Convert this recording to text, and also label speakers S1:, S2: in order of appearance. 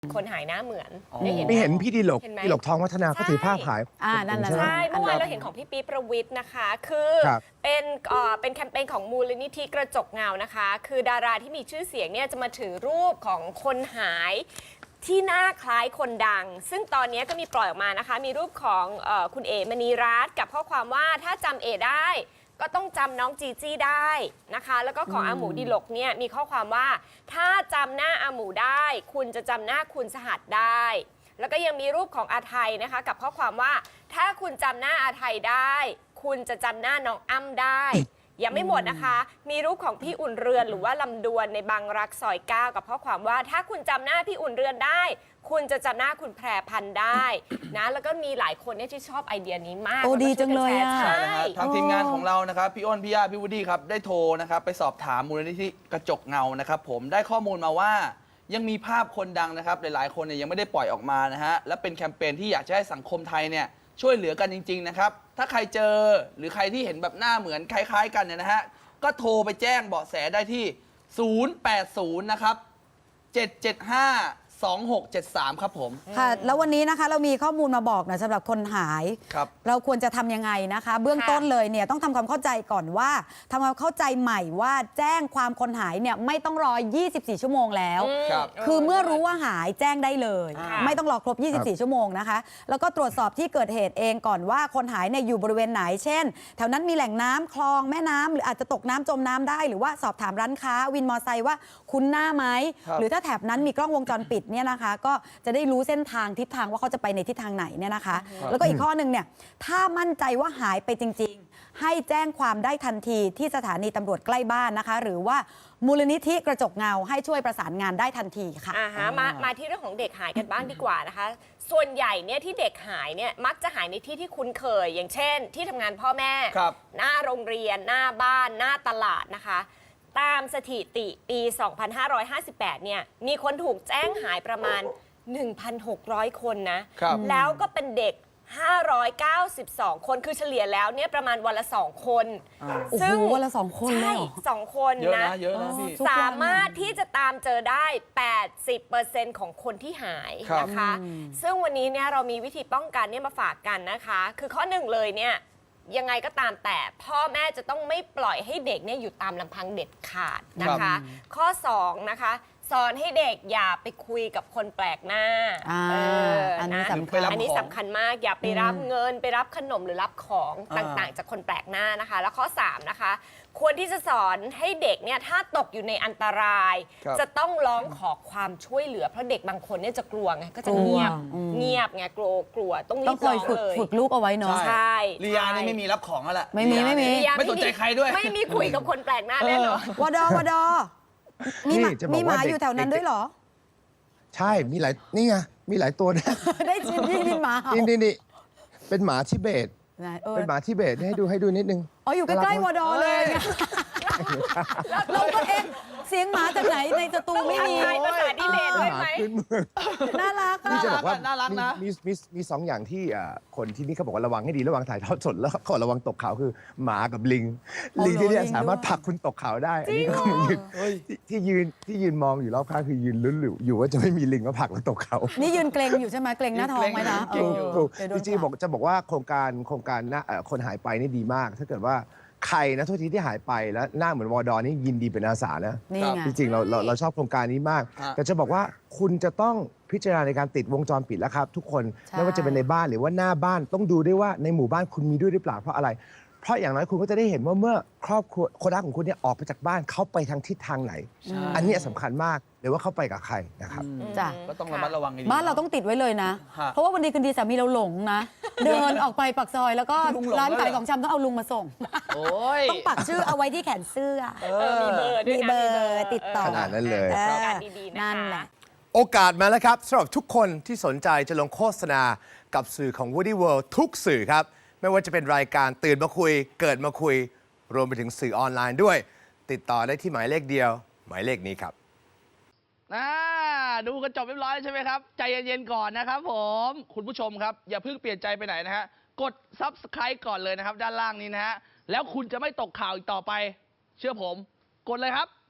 S1: คนหายหน้าเหมือน
S2: ได้เห็นพี่ดิลกทองวัฒนาเขาถือภาพขาย
S1: นั่นแหละใช่เมื่อวานเราเห็นของพี่ปี๊ประวิทย์นะคะคือเป็นแคมเปญของมูลนิธิกระจกเงานะคะคือดาราที่มีชื่อเสียงเนี่ยจะมาถือรูปของคนหายที่หน้าคล้ายคนดังซึ่งตอนนี้ก็มีปล่อยออกมานะคะมีรูปของคุณเอ๋มณีรัตน์กับข้อความว่าถ้าจำเอ๋ได้ก็ต้องจำน้องจีจี้ได้นะคะแล้วก็ของอาหมูดิลกเนี่ยมีข้อความว่าถ้าจำหน้าอาหมูได้คุณจะจำหน้าคุณสหัสได้แล้วก็ยังมีรูปของอาไทยนะคะกับข้อความว่าถ้าคุณจำหน้าอาไทยได้คุณจะจำหน้าน้องอ้ำได้ยังไม่หมดนะคะมีรูปของพี่อุ่นเรือนหรือว่าลำดวนในบางรักซอย9กับข้อความว่าถ้าคุณจำหน้าพี่อุ่นเรือนได้คุณจะจำหน้าคุณแพรพันธุ์ได้นะแล้วก็มีหลายคนที่ชอบไอเดียนี้มาก
S3: โอ้ดีจังเลยอ่ะ
S2: ใช่แล้วทางทีมงานของเรานะครับพี่อ้นพี่ย่าพี่วูดดี้ครับได้โทรนะครับไปสอบถามมูลนิธิกระจกเงานะครับผมได้ข้อมูลมาว่ายังมีภาพคนดังนะครับหลายๆคนเนี่ยยังไม่ได้ปล่อยออกมานะฮะและเป็นแคมเปญที่อยากจะให้สังคมไทยเนี่ยช่วยเหลือกันจริงๆนะครับถ้าใครเจอหรือใครที่เห็นแบบหน้าเหมือนคล้ายๆกันเนี่ยนะฮะก็โทรไปแจ้งเบาะแสได้ที่080นะครับ775 2673ครับผม
S3: ค่ะแล้ววันนี้นะคะเรามีข้อมูลมาบอกนะสำหรับคนหายเราควรจะทำยังไงนะคะเบื้องต้นเลยเนี่ยต้องทำความเข้าใจก่อนว่าทำความเข้าใจใหม่ว่าแจ้งความคนหายเนี่ยไม่ต้องรอ24 ชั่วโมงแล้วคือเมื่อรู้ว่าหายแจ้งได้เลยไม่ต้องรอครบ24 ชั่วโมงนะคะแล้วก็ตรวจสอบที่เกิดเหตุเองก่อนว่าคนหายเนี่ยอยู่บริเวณไหนเช่นแถวนั้นมีแหล่งน้ำคลองแม่น้ำหรืออาจจะตกน้ำจมน้ำได้หรือว่าสอบถามร้านค้าวินมอเตอร์ไซค์ว่าคุ้นหน้าไหมหรือถ้าแถบนั้นมีกล้องวงจรปิดเนี่ยนะคะก็จะได้รู้เส้นทางทิศทางว่าเขาจะไปในทิศทางไหนเนี่ยนะคะแล้วก็อีกข้อหนึ่งเนี่ยถ้ามั่นใจว่าหายไปจริงๆให้แจ้งความได้ทันทีที่สถานีตำรวจใกล้บ้านนะคะหรือว่ามูลนิธิกระจกเงาให้ช่วยประสานงานได้ทันทีค่ะ
S1: มาที่เรื่องของเด็กหายกันบ้างดีกว่านะคะส่วนใหญ่เนี่ยที่เด็กหายเนี่ยมักจะหายในที่ที่คุ้นเคยอย่างเช่นที่ทำงานพ่อแม่หน้าโรงเรียนหน้าบ้านหน้าตลาดนะคะตามสถิติปี 2558 เนี่ยมีคนถูกแจ้งหายประมาณ 1,600 คนนะแล้วก็เป็นเด็ก 592 คนคือเฉลี่ยแล้วเนี่ยประมาณวันละ 2 คน
S3: ซึ่งวันละ 2 คน
S1: ใช่2 คนนะสามารถที่จะตามเจอได้ 80% ของคนที่หายนะคะซึ่งวันนี้เนี่ยเรามีวิธีป้องกันเนี่ยมาฝากกันนะคะคือข้อหนึ่งเลยเนี่ยยังไงก็ตามแต่พ่อแม่จะต้องไม่ปล่อยให้เด็กเนี่ยอยู่ตามลำพังเด็ดขาดนะคะข้อ2นะคะสอนให้เด็กอย่าไปคุยกับคนแปลกหน้า
S3: อันนี้
S1: สำคัญมากอย่าไปรับเงินไปรับขนมหรือรับของต่างๆจากคนแปลกหน้านะคะแล้วข้อ3นะคะควรที่จะสอนให้เด็กเนี่ยถ้าตกอยู่ในอันตรายจะต้องร้องขอความช่วยเหลือเพราะเด็กบางคนเนี่ยจะกลัวไงก็จะเงียบไงกลัวต้องรีบร้องเลย
S3: ฝึกลูกเอาไว้เนาะ
S1: ใช่
S2: ลียานี่ไม่มีรับของแล้วแหละ
S3: ไม่
S2: สนใจใครด้วย
S1: ไม่มีคุยกับคนแปลกหน้าแน่นอน
S3: วดอมีหมาอยู่แถวนั้นด้วยเหรอ
S2: ใช่มีหลายนี่ไงมีหลายตัวนะ
S3: ได้ชิมพี่หมา
S2: นี่เป็นหมาทิเบตเป็นหมาทิเบตให้ดูนิดนึง
S3: อ๋ออยู่ใกล้ๆวดอเลยเราก็เสียงหมาจากไหนในสตูไม่มี
S1: ภาษาทิเบตด้วยไหม
S3: น่ารัก
S2: นี่จะบอกว่าน่ารักนะมี2 อย่างที่คนที่นี่เขาบอกว่าระวังให้ดีระวังถ่ายทอดสดแล้วเขาระวังตกเขาคือหมากับลิงที่นี่สามารถผลักคุณตกเขาได้อันนี้ก็ที่ยืนมองอยู่รอบข้างคือยืนลุ้นอยู่ว่าจะไม่มีลิงมาผลักแล้วตกเขา
S3: นี่ยืนเกรงอยู่ใช่ไหมเกรงหน้าท้องไหมนะ
S2: จริงๆจะบอกว่าโครงการคนหายไปนี่ดีมากถ้าเกิดว่าใครนะทุกทีที่หายไปแล้วหน้าเหมือนวอดอนี่ยินดีเป็นอาสานะจริงๆเราชอบโครงการนี้มากแต่จะบอกว่าคุณจะต้องพิจารณาในการติดวงจรปิดแล้วครับทุกคนไม่ว่าจะเป็นในบ้านหรือว่าหน้าบ้านต้องดูด้วยว่าในหมู่บ้านคุณมีด้วยหรือเปล่าเพราะอะไรเพราะอย่างน้อยคุณก็จะได้เห็นว่าเมื่อครอบครัวคนรักของคุณเนี่ยออกไปจากบ้านเขาไปทางทิศทางไหนอันนี้สำคัญมากหรือว่าเขาไปกับใครนะครับ
S3: จ้ะ
S2: ก็ต้องระมัดระวัง
S3: บ้านเราต้องติดไว้เลยนะเพราะว่าวันดีคืนดีสามีเราหลงนะเดินออกไปปากซอยแล้วก็ร้านขายของชำต้องเอาลุงมาส่งต้องปักชื่อเอาไว้ที่แขนเสื้อมีเบอร์ติดต่อ
S2: ขนาดนั้นเลย
S3: นั่นแหละ
S2: โอกาสมาแล้วครับสำหรับทุกคนที่สนใจจะลงโฆษณากับสื่อของ Woody World ทุกสื่อครับไม่ว่าจะเป็นรายการตื่นมาคุยเกิดมาคุยรวมไปถึงสื่อออนไลน์ด้วยติดต่อได้ที่หมายเลขเดียวหมายเลขนี้ครับดูกันจบเรียบร้อยใช่ไหมครับใจเย็นๆก่อนนะครับผมคุณผู้ชมครับอย่าเพิ่งเปลี่ยนใจไปไหนนะฮะกด Subscribe ก่อนเลยนะครับด้านล่างนี้นะฮะแล้วคุณจะไม่ตกข่าวอีกต่อไปเชื่อผมกดเลยครับ